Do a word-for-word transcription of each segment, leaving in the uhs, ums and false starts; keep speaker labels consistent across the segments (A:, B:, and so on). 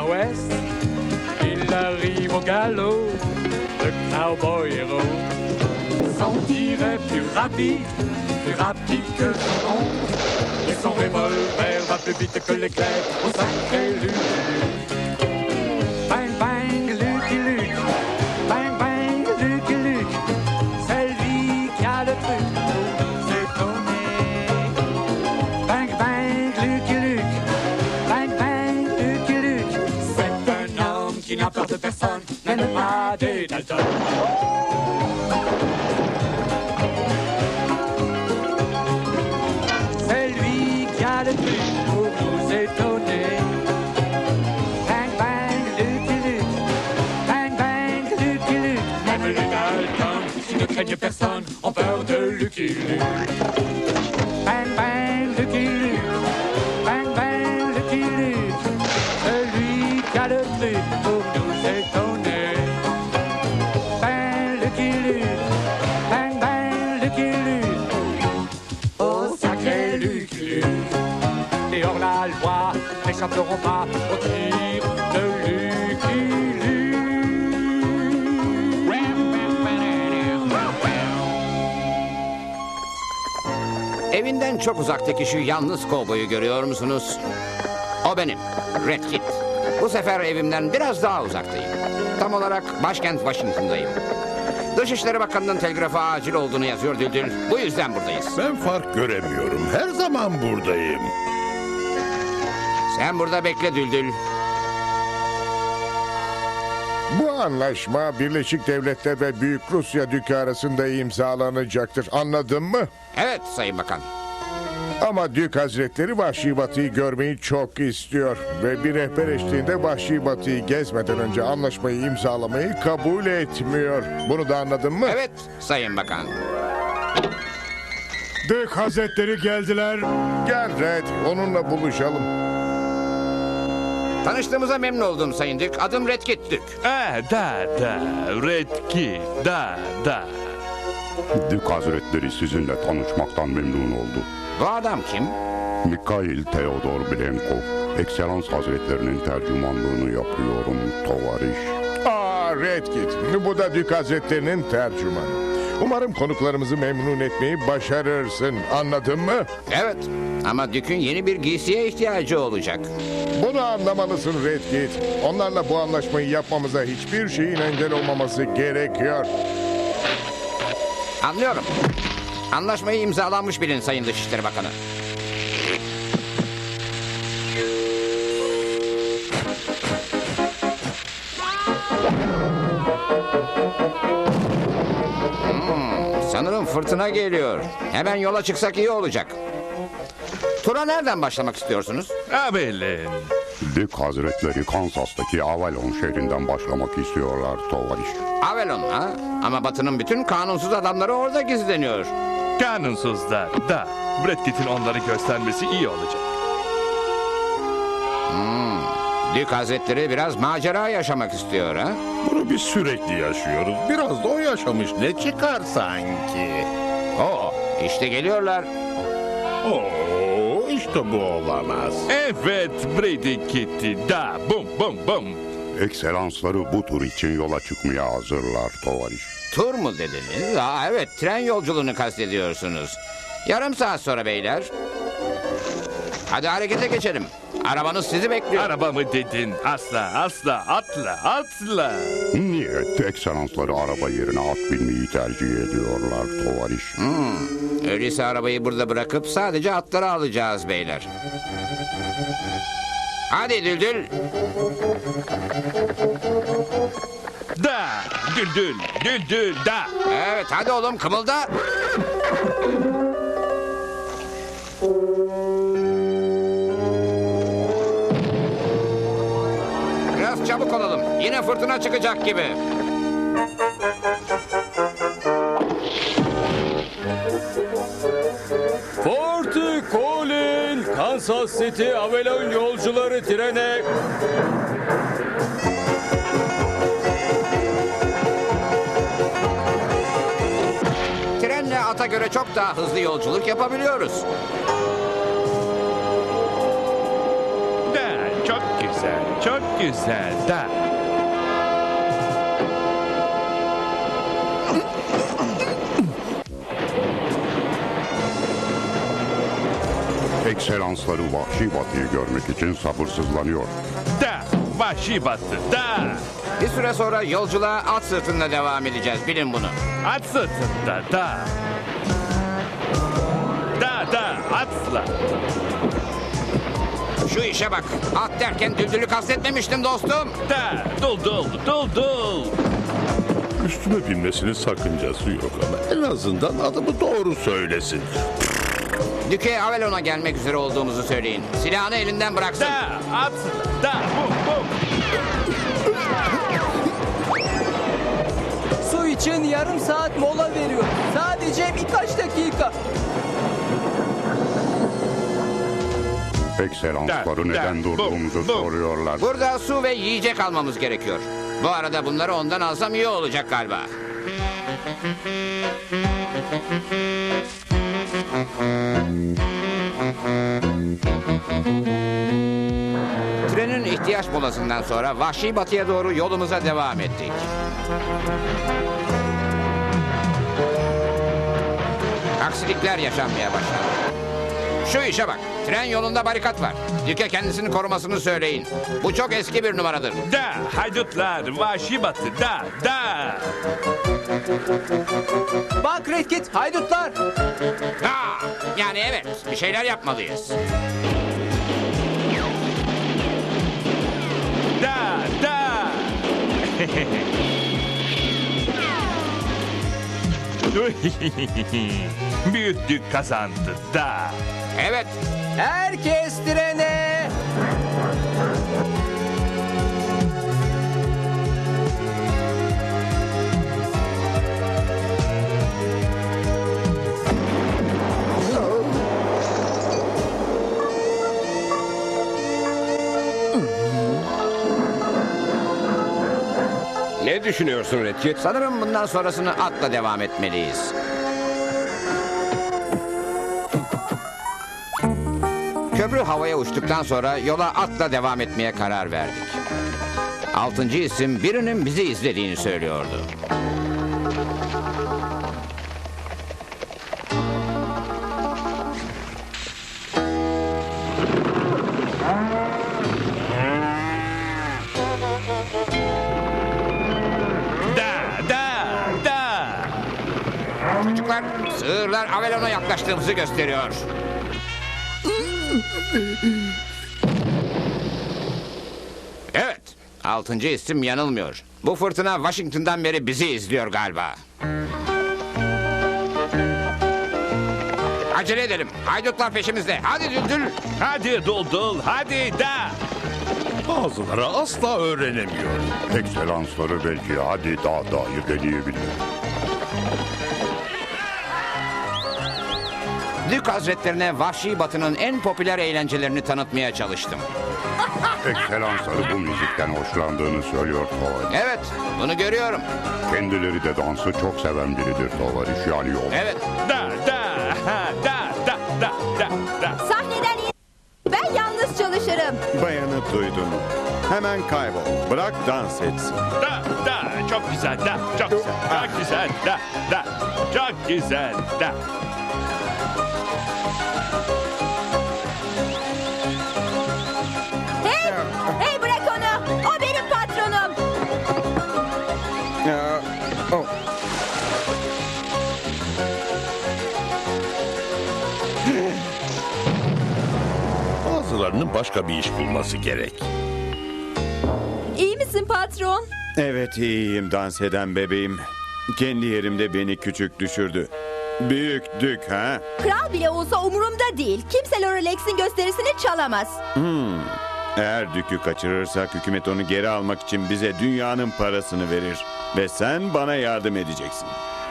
A: l'ouest. Il arrive au galop, le cowboy héros. S'en tirait plus rapide, plus rapide que son oncle. Et son revolver va plus vite que l'éclair au sacré Lucky Luke. Bang bang Lucky Luke, bang bang Lucky Luke. C'est lui qui a le truc pour nous étonner. Bang bang Lucky Luke, bang bang Lucky Luke. C'est un homme qui n'a peur de personne, même pas des Dalton. Le truc pour nous étonner. Bang bang Lucky Luke, bang bang Lucky Luke. Même les Dalton qui ne craignent personne ont peur de Lucky Luke. Bang bang Lucky Luke, bang bang Lucky Luke. Celui qui a le truc pour nous étonner. Bang Lucky Luke, bang bang Lucky Luke. Oh sacré Lucky Luke. Et hors la loi n'échapperont pas au tir de Lucky Luke.
B: Evinden çok uzaktaki şu yalnız kovboyu görüyor musunuz? O benim, Red Kit. Bu sefer evimden biraz daha uzaktayım. Tam olarak başkent Washington'dayım. Dışişleri Bakanı'nın telgrafa acil olduğunu yazıyor Düldül. Bu yüzden buradayız.
C: Ben fark göremiyorum. Her zaman buradayım.
B: Sen burada bekle Düldül.
D: Bu anlaşma Birleşik Devletler ve Büyük Rusya Dükü arasında imzalanacaktır. Anladın mı?
B: Evet Sayın Bakan.
D: Ama Dük Hazretleri Vahşi Batı'yı görmeyi çok istiyor. Ve bir rehber eşliğinde Vahşi Batı'yı gezmeden önce anlaşmayı imzalamayı kabul etmiyor. Bunu da anladın mı?
B: Evet Sayın Bakan.
E: Dük Hazretleri geldiler.
D: Gel Red, onunla buluşalım.
B: Tanıştığımıza memnun oldum Sayın Dük. Adım Red Kit Dük.
F: Ah, da da, Red Kit, da da.
G: Dük Hazretleri sizinle tanışmaktan memnun oldu.
B: Bu adam kim?
G: Mikhail Theodor Blenkov, Ekselans Hazretlerinin tercümanlığını yapıyorum tovariş.
D: Aa Red Kit, bu da Dük Hazretleri'nin tercümanı. Umarım konuklarımızı memnun etmeyi başarırsın. Anladın mı?
B: Evet ama Dük'ün yeni bir giysiye ihtiyacı olacak.
D: Bunu anlamalısın Red Kit. Onlarla bu anlaşmayı yapmamıza hiçbir şeyin engel olmaması gerekiyor.
B: Anlıyorum. Anlaşmayı imzalanmış bilin Sayın Dışişleri Bakanı. Hmm, sanırım fırtına geliyor. Hemen yola çıksak iyi olacak. Tura nereden başlamak istiyorsunuz?
F: Avelin.
G: Dük Hazretleri Kansas'taki Avalon şehrinden başlamak istiyorlar tovariş.
B: Avalon ha? Ama Batı'nın bütün kanunsuz adamları orada gizleniyor.
F: Kanunsuzlar, da. Red Kit'in onları göstermesi iyi olacak.
B: Hmm, Dük Hazretleri biraz macera yaşamak istiyor ha?
C: Bunu biz sürekli yaşıyoruz. Biraz da o yaşamış. Ne çıkar sanki?
B: Oo, işte geliyorlar.
C: Oo, işte bu olamaz.
F: Evet, Brady Kitty, da, bum bum bum.
G: Ekselansları bu tur için yola çıkmaya hazırlar tovariş.
B: Tur mu dediniz? Aa, evet, tren yolculuğunu kastediyorsunuz. Yarım saat sonra beyler. Hadi harekete geçelim. Arabanız sizi bekliyor.
F: Araba mı dedin? Asla, asla, atla, atla.
G: Niyet ekselansları araba yerine at binmeyi tercih ediyorlar tovariş.
B: Hmm, öyleyse arabayı burada bırakıp sadece atları alacağız beyler. Hadi Düldül.
F: Da, düldül, düldül, da.
B: Evet hadi oğlum kımılda. Biraz çabuk olalım. Yine fırtına çıkacak gibi.
A: Fort Collins, Kansas City Avalon yolcuları trene.
B: Trenle ata göre çok daha hızlı yolculuk yapabiliyoruz.
F: Da, çok güzel. Çok güzel. Da.
G: Ekselansları vahşi batıyı görmek için sabırsızlanıyor.
F: Da. Vahşi batı. Da.
B: Bir süre sonra yolculuğa at sırtında devam edeceğiz. Bilin bunu.
F: At sırtında. Da. Da da atla.
B: Şu işe bak. At derken düldülü kastetmemiştim dostum.
F: Da. Dul dul dul dul.
C: Üstüme binmesinin sakıncası yok ama en azından adımı doğru söylesin.
B: Dük'e Avalon'a gelmek üzere olduğumuzu söyleyin. Silahını elinden bıraksın.
F: Da atla. Da bum bum.
H: Su için yarım saat mola veriyor. Sadece birkaç dakika.
G: Ekselansları
F: Da,
G: neden
F: da,
G: durduğumuzu
F: bu, bu.
G: soruyorlar.
B: Burada su ve yiyecek almamız gerekiyor. Bu arada bunları ondan alsam iyi olacak galiba. Trenin ihtiyaç molasından sonra vahşi batıya doğru yolumuza devam ettik. Aksilikler yaşanmaya başladı. Şu işe bak. Tren yolunda barikat var. Dük'e kendisini korumasını söyleyin. Bu çok eski bir numaradır.
F: Da haydutlar vahşi batı. Da da.
H: Bak Red Kit, haydutlar.
B: Ha, yani evet. Bir şeyler yapmalıyız.
F: Da da. Büyük Dük kazandı. Da.
B: Evet.
H: Herkes trene.
I: Ne düşünüyorsun Red Kit?
B: Sanırım bundan sonrasını atla devam etmeliyiz. Köprü havaya uçtuktan sonra yola atla devam etmeye karar verdik. Altıncı isim birinin bizi izlediğini söylüyordu.
F: Da da da.
B: Çocuklar, sığırlar Avalon'a yaklaştığımızı gösteriyor. Evet, altıncı isim yanılmıyor. Bu fırtına Washington'dan beri bizi izliyor galiba. Acele edelim. Haydutlar peşimizde. Hadi Düldül.
F: Hadi dul dul. Hadi da.
C: Bazıları asla öğrenemiyor.
G: Ekselansları belki hadi daha dahi deneyebilir.
B: Dük Hazretlerine Vahşi Batı'nın en popüler eğlencelerini tanıtmaya çalıştım.
G: Ekselansları bu müzikten hoşlandığını söylüyor Tovar.
B: Evet, bunu görüyorum.
G: Kendileri de dansı çok seven biridir Tovar. Yani yol.
B: Evet.
F: Da da. Ha, da da da da da.
J: Sahneden in. Ben yalnız çalışırım.
K: Bayanı duydun. Hemen kaybol. Bırak dans etsin.
F: Da da. Çok güzel. Da. Çok güzel. Çok güzel. Da da. Çok güzel. Da.
J: Hey! Hey bırak onu. O benim patronum.
K: Ya, oh.
C: Bazılarının başka bir iş bulması gerek.
J: İyi misin patron?
K: Evet iyiyim dans eden bebeğim. Kendi yerimde beni küçük düşürdü. Büyük Dük ha?
J: Kral bile olsa umurumda değil. Kimse Lorelex'in gösterisini çalamaz.
K: Eğer Dük'ü kaçırırsak hükümet onu geri almak için bize dünyanın parasını verir. Ve sen bana yardım edeceksin.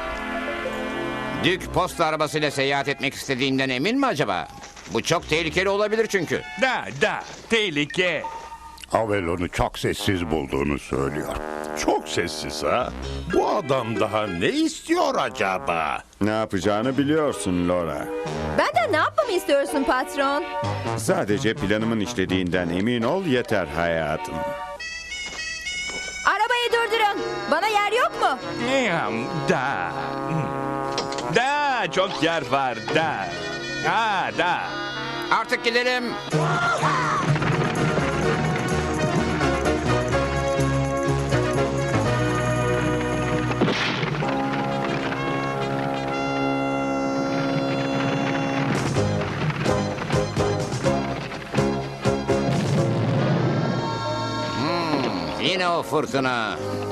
B: Dük posta arabasıyla seyahat etmek istediğinden emin mi acaba? Bu çok tehlikeli olabilir çünkü.
F: Da da. Tehlike.
G: Avelon'u çok sessiz bulduğunu söylüyor.
C: Çok sessiz ha. Bu adam daha ne istiyor acaba?
K: Ne yapacağını biliyorsun Laura.
J: Benden ne yapmamı istiyorsun patron?
K: Sadece planımın işlediğinden emin ol yeter hayatım.
J: Arabayı durdurun. Bana yer yok mu?
F: Yam, Da. Da çok yer var da. Ha da.
B: Artık gidelim. Hmm, yine o fırtına.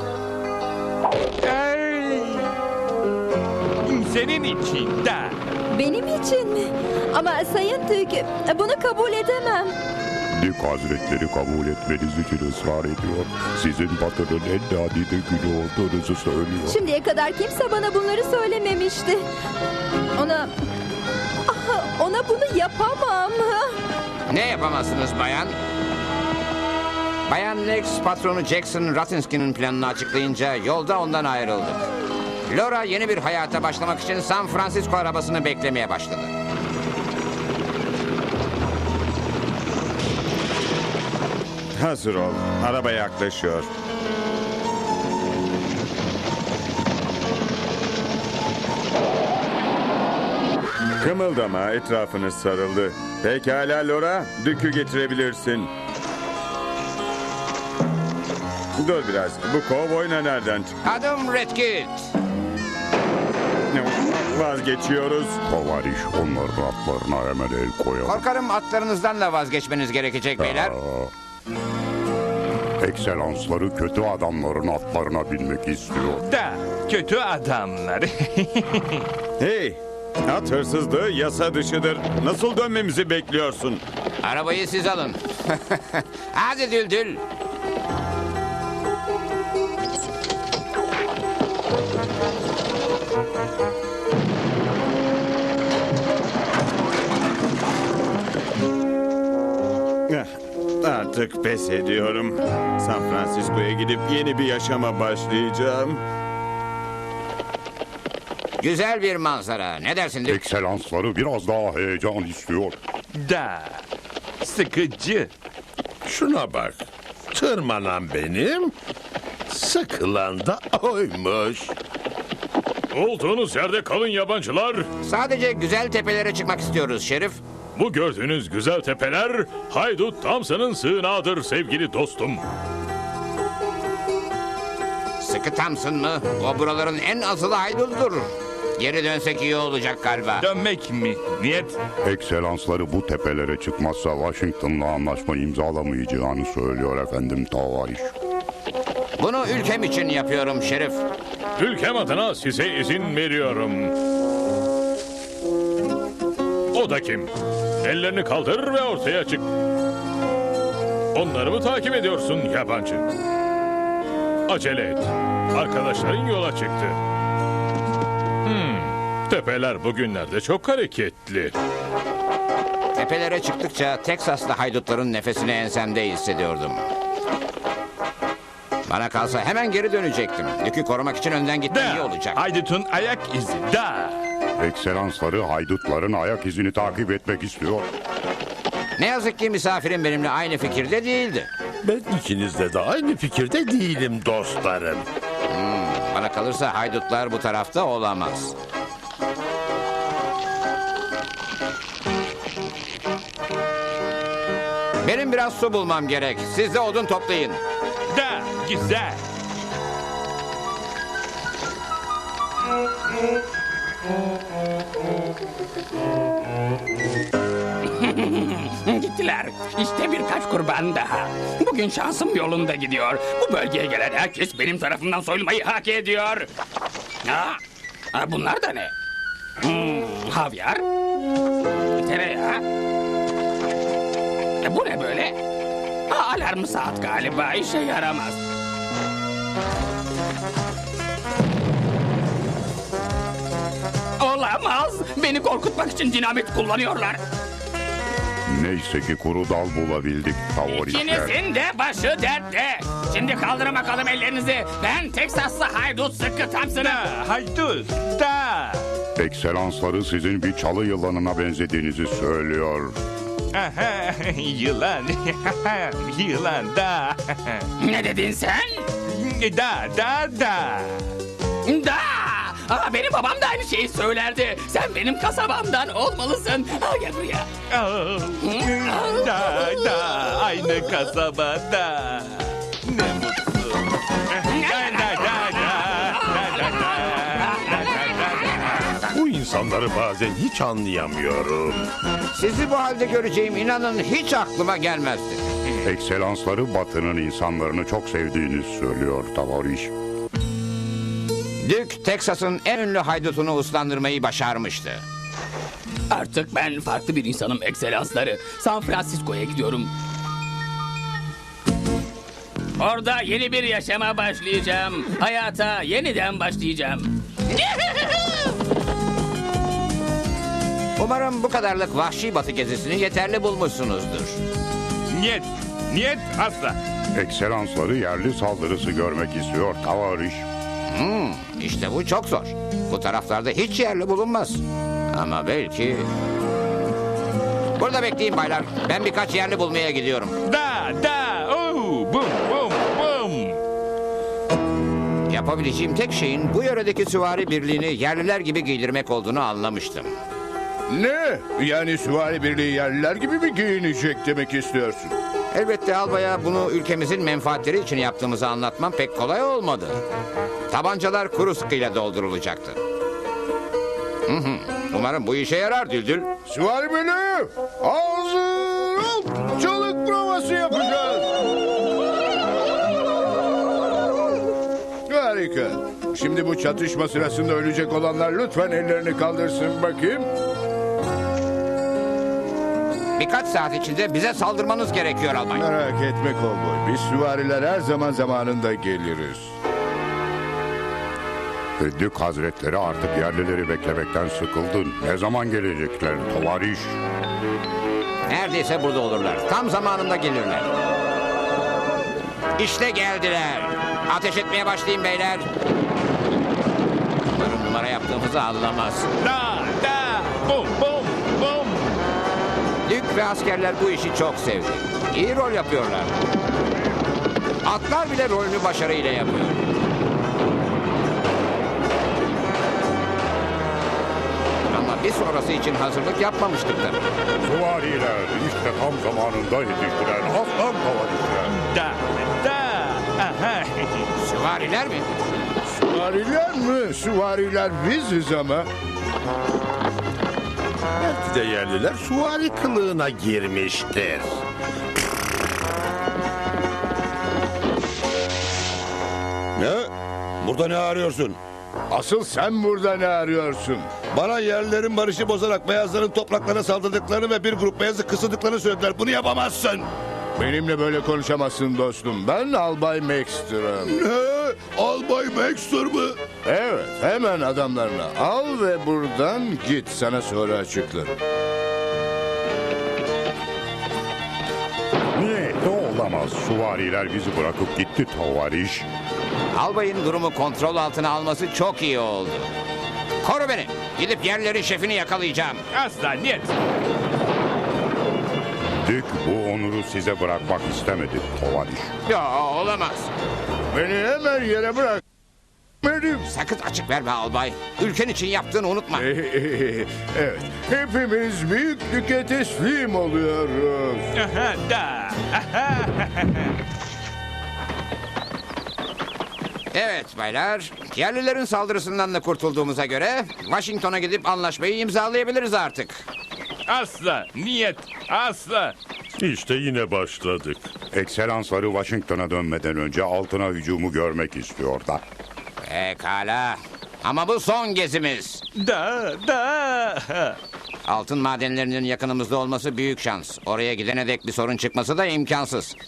F: Ey. Senin için da.
J: Benim için mi? Ama Sayın Dük, bunu kabul edemem.
G: Dük Hazretleri kabul etmeniz için ısrar ediyor. Sizin batının en nadide günü olduğunuzu söylüyor.
J: Şimdiye kadar kimse bana bunları söylememişti. Ona... Ah, ona bunu yapamam.
B: Ne yapamazsınız bayan? Bayan Lex patronu Jackson Ratinsky'nin planını açıklayınca yolda ondan ayrıldık. Laura yeni bir hayata başlamak için San Francisco arabasını beklemeye başladı.
K: Hazır ol. Araba yaklaşıyor. Kımıldama, etrafını sarıldı. Pekala Laura, Dük'ü getirebilirsin. Dur biraz, bu kovboyna nereden çıktı?
B: Adım Redkit.
K: Vazgeçiyoruz.
G: Tovariş onların atlarına hemen el koyalım.
B: Korkarım atlarınızdan da vazgeçmeniz gerekecek beyler.
G: Aa, Ekselansları kötü adamların atlarına binmek istiyor.
F: Da. Kötü adamlar.
K: Hey, at hırsızlığı yasa dışıdır. Nasıl dönmemizi bekliyorsun?
B: Arabayı siz alın. Hadi Düldül.
K: Artık pes ediyorum. San Francisco'ya gidip yeni bir yaşama başlayacağım.
B: Güzel bir manzara. Ne dersin Dük?
G: Ekselansları biraz daha heyecan istiyor.
F: Da. Sıkıcı.
C: Şuna bak. Tırmanan benim, sıkılan da oymuş.
E: Olduğunuz yerde kalın yabancılar.
B: Sadece güzel tepelere çıkmak istiyoruz Şerif.
E: Bu gördüğünüz güzel tepeler Haydut Thompson'ın sığınağıdır sevgili dostum.
B: Sıkı Thompson mı? O buraların en azılı haydududur. Geri dönsek iyi olacak galiba.
F: Dönmek mi? Niyet?
G: Ekselansları bu tepelere çıkmazsa Washington'la anlaşma imzalamayacağını söylüyor efendim Tovariş.
B: Bunu ülkem için yapıyorum Şerif.
E: Ülkem adına size izin veriyorum. O da kim? Ellerini kaldır ve ortaya çık. Onları mı takip ediyorsun yabancı? Acele et. Arkadaşların yola çıktı. Hmm, tepeler bugünlerde çok hareketli.
B: Tepelere çıktıkça Teksaslı haydutların nefesini ensemde hissediyordum. Bana kalsa hemen geri dönecektim. Yükü korumak için önden gitmem iyi
F: Da.
B: olacak.
F: Haydut'un ayak izi. Da.
G: Ekselansları haydutların ayak izini takip etmek istiyor.
B: Ne yazık ki misafirim benimle aynı fikirde değildi.
C: Ben ikinizde de aynı fikirde değilim dostlarım.
B: Bana kalırsa haydutlar bu tarafta olamaz. Benim biraz su bulmam gerek. Siz de odun toplayın.
F: Da. Güzel.
I: Gittiler. İşte birkaç kurban daha. Bugün şansım yolunda gidiyor. Bu bölgeye gelen herkes benim tarafımdan soyulmayı hak ediyor. Ha, ha, bunlar da ne? Hmm, havyar. Tereyağı. E, bu ne böyle? Ha, alarm saat galiba işe yaramaz. Olamaz. Beni korkutmak için dinamit kullanıyorlar.
G: Neyse ki kuru dal bulabildik tavarişler.
I: İkinizin de başı dertte. Şimdi kaldırın bakalım ellerinizi. Ben Teksaslı haydut Sıkı Thompson'ım.
F: Da, haydut, da.
G: Ekselansları sizin bir çalı yılanına benzediğinizi söylüyor.
F: Aha, yılan, yılan, da.
I: Ne dedin sen?
F: Da, da, da.
I: Da! Aa, benim babam da aynı şeyi söylerdi. Sen benim kasabamdan olmalısın. Al gel buraya.
F: Oh, da, da, aynı kasabada. Ne mutlu. Da, da, da, da, da, da, da.
C: Bu insanları bazen hiç anlayamıyorum.
B: Sizi bu halde göreceğim inanın hiç aklıma gelmezdi.
G: Ekselansları Batı'nın insanlarını çok sevdiğini söylüyor tavariş.
B: Dük, Teksas'ın en ünlü haydutunu uslandırmayı başarmıştı.
I: Artık ben farklı bir insanım ekselansları. San Francisco'ya gidiyorum. Orada yeni bir yaşama başlayacağım. Hayata yeniden başlayacağım.
B: Umarım bu kadarlık vahşi batı gezisini yeterli bulmuşsunuzdur.
F: Niyet, niyet asla.
G: Ekselansları yerli saldırısı görmek istiyor tavariş.
B: Hmm, işte bu çok zor. Bu taraflarda hiç yerli bulunmaz. Ama belki... Burada bekleyin baylar. Ben birkaç yerli bulmaya gidiyorum.
F: Da, da, oh, bum, bum, bum.
B: Yapabileceğim tek şeyin bu yöredeki süvari birliğini yerliler gibi giydirmek olduğunu anlamıştım.
D: Ne? Yani süvari birliği yerliler gibi mi giyinecek demek istiyorsun?
B: Elbette albaya bunu ülkemizin menfaatleri için yaptığımızı anlatmam pek kolay olmadı. Tabancalar kuru sıkıyla doldurulacaktı. Hı hı. Umarım bu işe yarar Düldül.
D: Süvari birliği! Hazır ol! Çalık provası yapacağız. Harika. Şimdi bu çatışma sırasında ölecek olanlar lütfen ellerini kaldırsın bakayım.
B: Birkaç saat içinde bize saldırmanız gerekiyor albay.
D: Merak etme kovboy. Biz süvariler her zaman zamanında geliriz.
G: Dük Hazretleri artık yerlileri beklemekten sıkıldı. Ne zaman gelecekler tavariş?
B: Neredeyse burada olurlar. Tam zamanında gelirler. İşte geldiler. Ateş etmeye başlayın beyler. Umarım numara yaptığımızı anlamaz.
F: Da, da, bum, bum, bum.
B: Dük ve askerler bu işi çok sevdi. İyi rol yapıyorlar. Atlar bile rolünü başarıyla yapıyor. Ama bir sonrası için hazırlık yapmamıştık tabii.
G: Süvariler işte tam zamanında yetiştiren aslan tavarişler.
F: Da, da, aha.
B: Süvariler mi?
D: Süvariler mi? Süvariler biziz ama.
C: Belki de yerliler süvari kılığına girmiştir.
L: Ne? Burada ne arıyorsun?
D: Asıl sen burada ne arıyorsun?
L: Bana yerlilerin barışı bozarak beyazların topraklarına saldırdıklarını ve bir grup beyazı kısıldıklarını söylediler. Bunu yapamazsın.
D: Benimle böyle konuşamazsın dostum. Ben Albay Maxter'ım.
L: Ne? Albay Maxter mı?
D: Evet, hemen adamlarına al ve buradan git. Sana sonra açıklarım.
G: Niyeti olamaz. Süvariler bizi bırakıp gitti tavariş.
B: Albayın durumu kontrol altına alması çok iyi oldu. Koru beni. Gidip yerlerin şefini yakalayacağım.
F: Asla niyet.
G: Dük bu onuru size bırakmak istemedi tavariş.
B: Ya olamaz.
D: Beni hemen yere bırak. Benim.
B: Sakın açık verme albay. Ülken için yaptığını unutma.
D: Evet, hepimiz büyüklüke teslim oluyoruz.
F: Aha, da, aha.
B: Evet baylar. Yerlilerin saldırısından da kurtulduğumuza göre Washington'a gidip anlaşmayı imzalayabiliriz artık.
F: Asla niyet, asla.
C: İşte yine başladık.
G: Ekselansları Washington'a dönmeden önce altına hücumu görmek istiyorlar.
B: Pekala. Ama bu son gezimiz.
F: Da, da.
B: Altın madenlerinin yakınımızda olması büyük şans. Oraya gidene dek bir sorun çıkması da imkansız.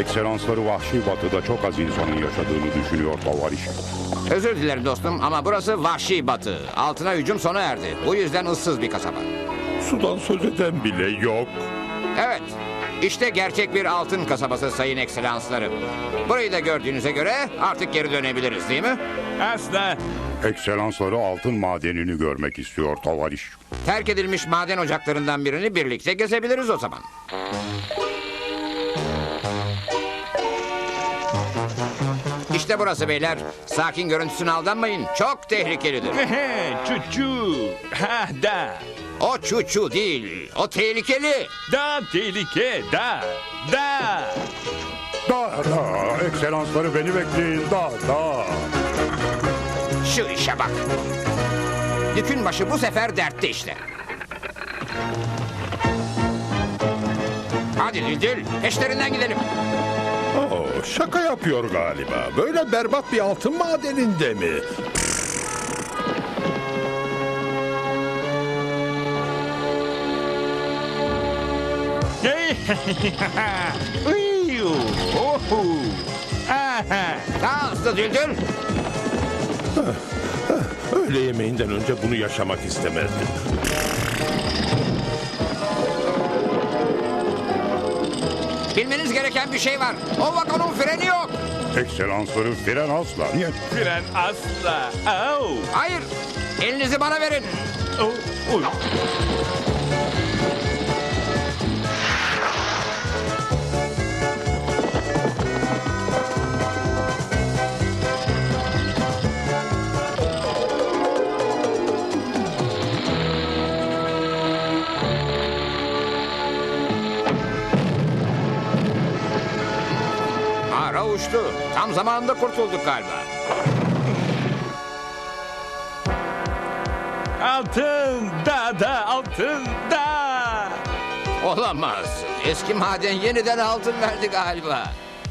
G: Ekselansları vahşi batıda çok az insanın yaşadığını düşünüyor Tovariş.
B: Özür dilerim dostum ama burası vahşi batı. Altına hücum sona erdi. Bu yüzden ıssız bir kasaba.
C: Sudan söz eden bile yok.
B: Evet, işte gerçek bir altın kasabası sayın ekselanslarım. Burayı da gördüğünüze göre artık geri dönebiliriz değil mi?
F: Asla.
G: Ekselansları altın madenini görmek istiyor Tovariş.
B: Terk edilmiş maden ocaklarından birini birlikte gezebiliriz o zaman. İşte burası beyler. Sakin görüntüsüne aldanmayın. Çok tehlikelidir.
F: Çuçu. Ha da.
B: O çuçu değil. O tehlikeli.
F: Da tehlike. Da. Da.
G: Da da, ekselansları beni bekleyin, da da.
B: Şu işe bak. Dükün başı bu sefer dertte işte. Hadi Düldül, peşlerinden gidelim.
C: Oo, şaka yapıyor galiba. Böyle berbat bir altın madeninde mi?
F: Hey. Uyu. Ohu. Aha.
B: Daha hızlı Düldül.
C: Öğle yemeğinden önce bunu yaşamak istemezdim.
B: Bilmeniz gereken bir şey var. O vagonun freni yok.
G: Ekselansları fren asla. Niye?
F: Fren asla. Au.
B: Hayır. Elinizi bana verin.
F: Oh. Uy.
B: Ara uçtu. Tam zamanında kurtulduk galiba.
F: Altın. Da da. Altın. Da.
B: Olamaz. Eski maden yeniden altın verdi galiba.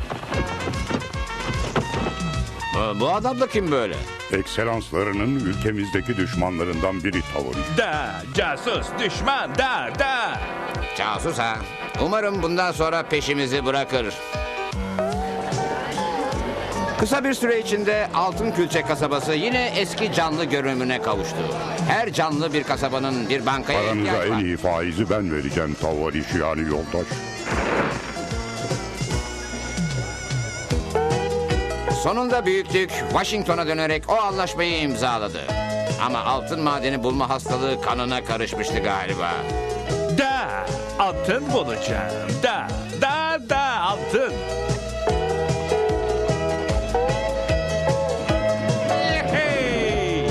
B: Bu- Bu adam da kim böyle?
G: Ekselanslarının ülkemizdeki düşmanlarından biri Tovariş.
F: Da. Casus. Düşman. Da. Da.
B: Casus ha. Umarım bundan sonra peşimizi bırakır. Kısa bir süre içinde Altın Külçe kasabası yine eski canlı görünümüne kavuştu. Her canlı bir kasabanın bir bankaya
G: Paranıza
B: ihtiyaç
G: en
B: var.
G: iyi faizi ben vereceğim Tovariş, yani yoldaş.
B: Sonunda büyüklük Washington'a dönerek o anlaşmayı imzaladı. Ama altın madeni bulma hastalığı kanına karışmıştı galiba.
F: Da. Altın bulacağım. Da. Da. Da. Altın. Hey.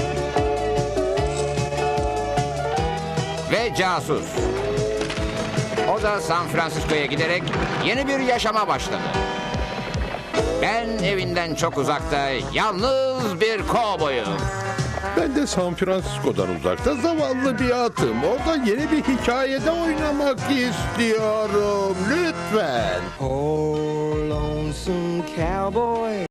B: Ve casus. O da San Francisco'ya giderek yeni bir yaşama başladı. Ben evinden çok uzakta yalnız bir kovboyum.
C: Ben de San Francisco'dan uzakta zavallı bir atım. Orada yeni bir hikayede oynamak istiyorum. Lütfen.
A: Oh, lonesome cowboy.